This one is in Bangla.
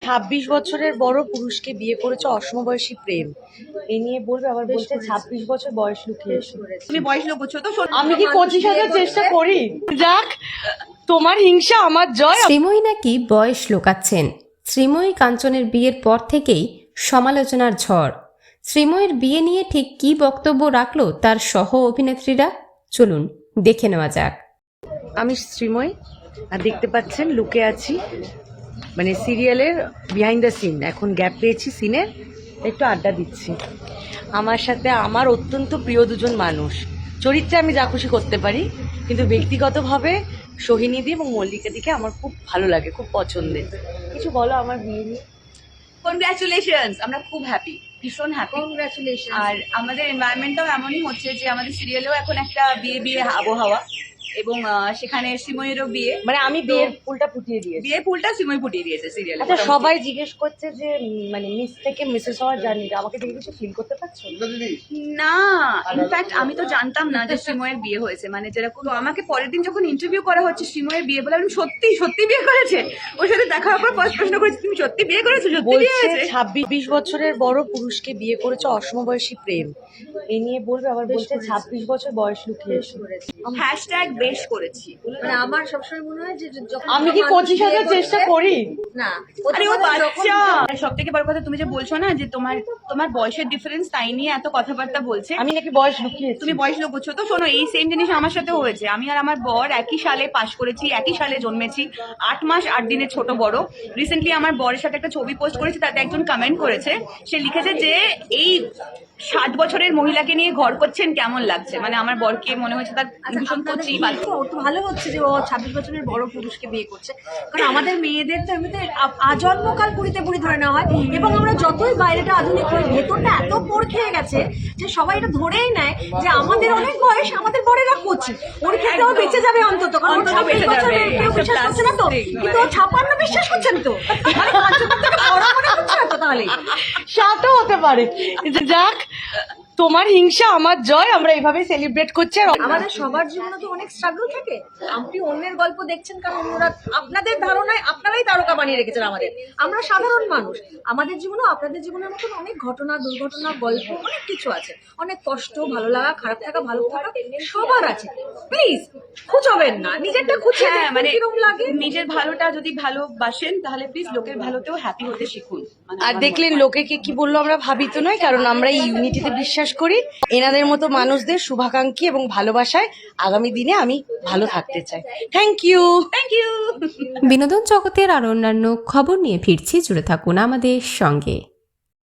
26 বছরের বড় পুরুষকে বিয়ে করেছে অসমবয়সী প্রেম। এ নিয়ে বলবে, আবার বলছে 26 বছর বয়স লুকিয়েছে। তুমি বয়স লুকোচ্ছ তো। আমি কি 25 হাজার চেষ্টা করি? যাক, তোমার হিংসা আমার জয়। শ্রীময়ী নাকি বয়স লুকাচ্ছেন। শ্রীময়ী কাঞ্চনের বিয়ের পর থেকেই সমালোচনার ঝড়। শ্রীময়ীর বিয়ে নিয়ে ঠিক কী বক্তব্য রাখলো তার সহ অভিনেত্রীরা, চলুন দেখে নেওয়া যাক। আমি শ্রীময়ী, আর দেখতে পাচ্ছেন লুকে আছি, মানে সিরিয়ালের বিহাইন্ড দ্য সিন। এখন গ্যাপ পেয়েছি সিনের, একটু আড্ডা দিচ্ছি। আমার সাথে আমার অত্যন্ত প্রিয় দুজন মানুষ। চরিত্রে আমি যা খুশি করতে পারি, কিন্তু ব্যক্তিগতভাবে সোহিনীদি এবং মল্লিকাদিকে আমার খুব ভালো লাগে, খুব পছন্দের। কিছু বলো আমার বিয়ে নিয়ে। কনগ্রাচুলেশনস, আমরা খুব হ্যাপি, ভীষণ হ্যাপি। কংগ্রাচুলেশন। আর আমাদের এনভায়রনমেন্টটাও এমনই হচ্ছে যে আমাদের সিরিয়ালেও এখন একটা বিয়ে বিয়ে আবহাওয়া, এবং সেখানে শ্রীময়ীরও বিয়ে, মানে আমি বিয়ের ফুলটা ফুটিয়ে দিয়েছি। বিয়ে ফুলটা শ্রীময়ী ফুটিয়ে দিয়েছে সিরিয়ালে। আচ্ছা, সবাই জিজ্ঞেস করছে যে মানে মিস থেকে মিসেস হওয়ার জার্নিটা, আমাকে দেখে কিছু ফিল করতে পারছো? না, ইনফ্যাক্ট আমি তো জানতাম না যে শ্রীময়ের বিয়ে হয়েছে। মানে যেরকম আমাকে পরের দিন যখন ইন্টারভিউ করা হচ্ছে শ্রীময়ের বিয়ে বলে, আমি সত্যি সত্যি বিয়ে করেছে। ওর সাথে দেখা হওয়ার পর ফার্স্ট প্রশ্ন করেছি, তুমি সত্যি বিয়ে করেছো? সত্যি বিয়ে বলছে হয়েছে। 26 বছরের বড় পুরুষকে বিয়ে করেছে অসমবয়সী প্রেম। এ নিয়ে বলবে, আবার বলছে 26 বছর বয়স লুকিয়েছে। হ্যাশট্যাগ বেশ করেছি। মানে আমার সবসময় মনে হয় যে যখন আমি কি 25 হাজার চেষ্টা করি? না, আরে ও প্রথমবার বাচ্চা। সব থেকে বড় কথা, তুমি যে বলছো না যে তোমার বয়সের ডিফারেন্স, তাই নিয়ে এত কথাবার্তা বলছে। আমি নাকি বয়স লুকিয়েছি? তুমি বয়স লুকোচ্ছ তো। শোনো, এই সেম জিনিস আমার সাথেও হয়েছে। আমি আর আমার বর একই সালে পাশ করেছি, একই সালে জন্মেছি, 8 মাস 8 দিনের ছোট বড়। রিসেন্টলি আমার বরের সাথে একটা ছবি পোস্ট করেছি, তাতে একজন কমেন্ট করেছে, সে লিখেছে যে এই 60 বছরের মহিলাকে নিয়ে ঘর করছেন, কেমন লাগছে। মানে আমার বরকে মনে হয়েছে তার ভীষণ কচি বাচ্চা। ওর তো ভালো হচ্ছে যে ও 26 বছরের বড় পুরুষকে বিয়ে করছে, কারণ আমাদের মেয়েদের তো এমনিতে আজন্মকাল পুরিতে পুরি ধরে নেওয়া হয়, এবং আমরা যতই বাইরেটা আধুনিক হই, ভেতরটা এত পোড় খেয়ে গেছে যে সবাই এটা ধরেই নেয় যে আমাদের অনেক বয়স, আমাদের বরেরা কচি, ওর ক্ষেত্রেও বেঁচে যাবে অন্তত, কারণ অন্তত বেঁচে যাবে। কেউ বিশ্বাস করছে না তো, কিন্তু ও 56 বিশ্বাস করছেন তো, মানে কাঞ্চনটা থেকে বড় মনে হচ্ছে না তো। তাহলে সাতও হতে পারে। যাক, তোমার হিংসা আমার জয়। আমরা এইভাবেই সেলিব্রেট করছি। আর আমাদের সবার জীবনে তো অনেক স্ট্রাগল থাকে। আপনি অন্যের গল্প দেখছেন কারণ ওরা আপনাদের ধারণায় আপনারাই তারকা বানিয়ে রেখেছেন আমাদের। আমরা সাধারণ মানুষ, আমাদের জীবনেও আপনাদের জীবনের মতন অনেক ঘটনা, দুর্ঘটনা, গল্প, অনেক কিছু আছে, অনেক কষ্ট, ভালো লাগা, খারাপ থাকা, ভালো থাকা সবার আছে। প্লিজ খুঁজবেন না, নিজেরটা খুঁজে। হ্যাঁ, মানে কিরকম লাগে নিজের ভালোটা যদি ভালোবাসেন, তাহলে প্লিজ লোকের ভালোতেও হ্যাপি হতে শিখুন। মানে আর দেখলেন লোকে কি বললো, আমরা ভাবিত নয়, কারণ আমরা এই ইউনিটিতে বিশ্বাস করি। এনাদের মতো মানুষদের শুভাকাঙ্ক্ষী এবং ভালোবাসায় আগামী দিনে আমি ভালো থাকতে চাই। Thank you. Thank you. বিনোদন জগতের আর অন্যান্য খবর নিয়ে ফিরছি, জুড়ে থাকুন আমাদের সঙ্গে।